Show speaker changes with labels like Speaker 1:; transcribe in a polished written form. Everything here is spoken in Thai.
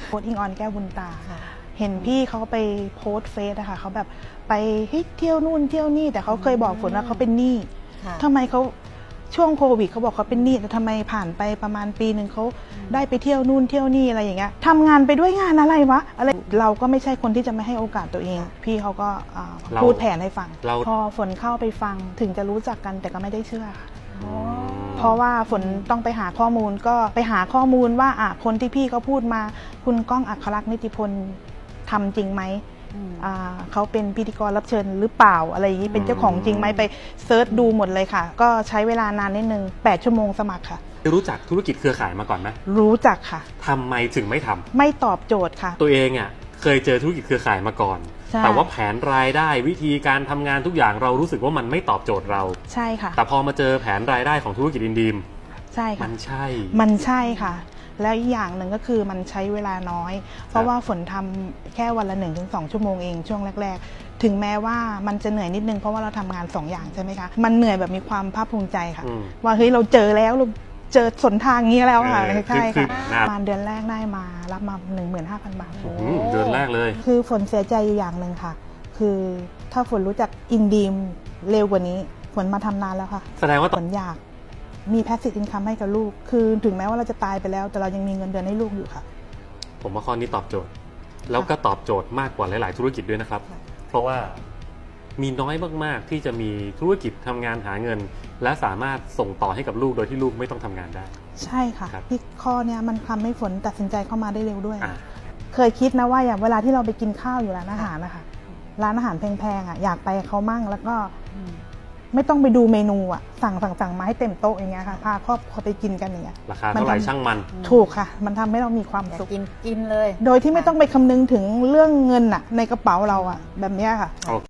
Speaker 1: โพสต์อิงออนแก้วบุญตาเห็นพี่เขาไปโพสต์เฟซอะค่ะเขาแบบไปเที่ยวนู่นเที่ยวนี่แต่เขาเคยบอกฝนว่าเขาเป็นหนี้ทำไมเขาช่วงโควิดเขาบอกเขาเป็นหนี้แต่ทำไมผ่านไปประมาณปีหนึ่งเขาได้ไปเที่ยวนู่นเที่ยวนี่อะไรอย่างเงี้ยทำงานไปด้วยงานอะไรวะอะไรเราก็ไม่ใช่คนที่จะไม่ให้โอกาสตัวเองพี่เขาก็พูดแผนให้ฟังพอฝนเข้าไปฟังถึงจะรู้จักกันแต่ก็ไม่ได้เชื่อค่ะเพราะว่าฝนต้องไปหาข้อมูลก็ไปหาข้อมูลว่าคนที่พี่เขาพูดมาคุณก้องอัครลักษณ์นิติพลทำจริงไหมเขาเป็นพิธีกรรับเชิญหรือเปล่าอะไรอย่างนี้เป็นเจ้าของจริงไหมไปเซิร์ชดูหมดเลยค่ะก็ใช้เวลานานนิดนึง8 ชั่วโมงสมัครค่ะ
Speaker 2: รู้จักธุรกิจเครือข่ายมาก่อนไหม
Speaker 1: รู้จักค่ะ
Speaker 2: ทำไมถึงไม่ทำ
Speaker 1: ไม่ตอบโจทย์ค่ะ
Speaker 2: ตัวเองเคยเจอธุรกิจเครือข่ายมาก่อนแต่ว่าแผนรายได้วิธีการทำงานทุกอย่างเรารู้สึกว่ามันไม่ตอบโจทย์เรา
Speaker 1: ใช่ค่ะ
Speaker 2: แต่พอมาเจอแผนรายได้ของธุรกิจอินดีม
Speaker 1: ใช่ค่ะ
Speaker 2: มันใช่
Speaker 1: ค่ะแล้วอีกอย่างหนึ่งก็คือมันใช้เวลาน้อยเพราะว่าฝนทำแค่วันละ 1-2 ชั่วโมงเองช่วงแรกๆถึงแม้ว่ามันจะเหนื่อยนิดนึงเพราะว่าเราทำงาน2 อย่างใช่ไหมคะมันเหนื่อยแบบมีความภาคภูมิใจค่ะว่าเฮ้ยเราเจอแล้วเราเจอสนทางนี้แล้วค่ะใช่ค่ะประมาณเดือนแรกได้มารับมา 15,000 บาท
Speaker 2: เดือนแรกเลย
Speaker 1: คือฝนเสียใจอยู่อย่างหนึ่งค่ะคือถ้าฝนรู้จักอินดีมเร็วกว่านี้ฝนมาทำนานแล้วค่ะ
Speaker 2: แสดงว่า
Speaker 1: ฝนอยากมีแพสซีฟอินคัมให้กับลูกคือถึงแม้ว่าเราจะตายไปแล้วแต่เรายังมีเงินเดือนให้ลูกอยู่ค่ะ
Speaker 2: ผมว่าข้อนี้ตอบโจทย์แล้วก็ตอบโจทย์มากกว่าหลายๆธุรกิจด้วยนะครับเพราะว่ามีน้อยมากๆที่จะมีธุรกิจทำงานหาเงินและสามารถส่งต่อให้กับลูกโดยที่ลูกไม่ต้องทำงานได้
Speaker 1: ใช่ค่ะที่ข้อนี้มันทำให้ฝนตัดสินใจเข้ามาได้เร็วด้วยเคยคิดนะว่าอย่างเวลาที่เราไปกินข้าวอยู่ร้านอาหารนะคะร้านอาหารแพงๆอยากไปเขามั่งแล้วก็ไม่ต้องไปดูเมนูสั่งมาให้เต็มโต๊ะอย่างเงี้ยค่ะพาครอบครัวไปกินกันอย่างเงี้ย
Speaker 2: ราคาเท่าไหร่ช่างมัน
Speaker 1: ถูกค่ะมันทำให้เรามีความสุข
Speaker 3: กินเลย
Speaker 1: โดยที่ไม่ต้องไปคำนึงถึงเรื่องเงินในกระเป๋าเราแบบนี้ค่ะ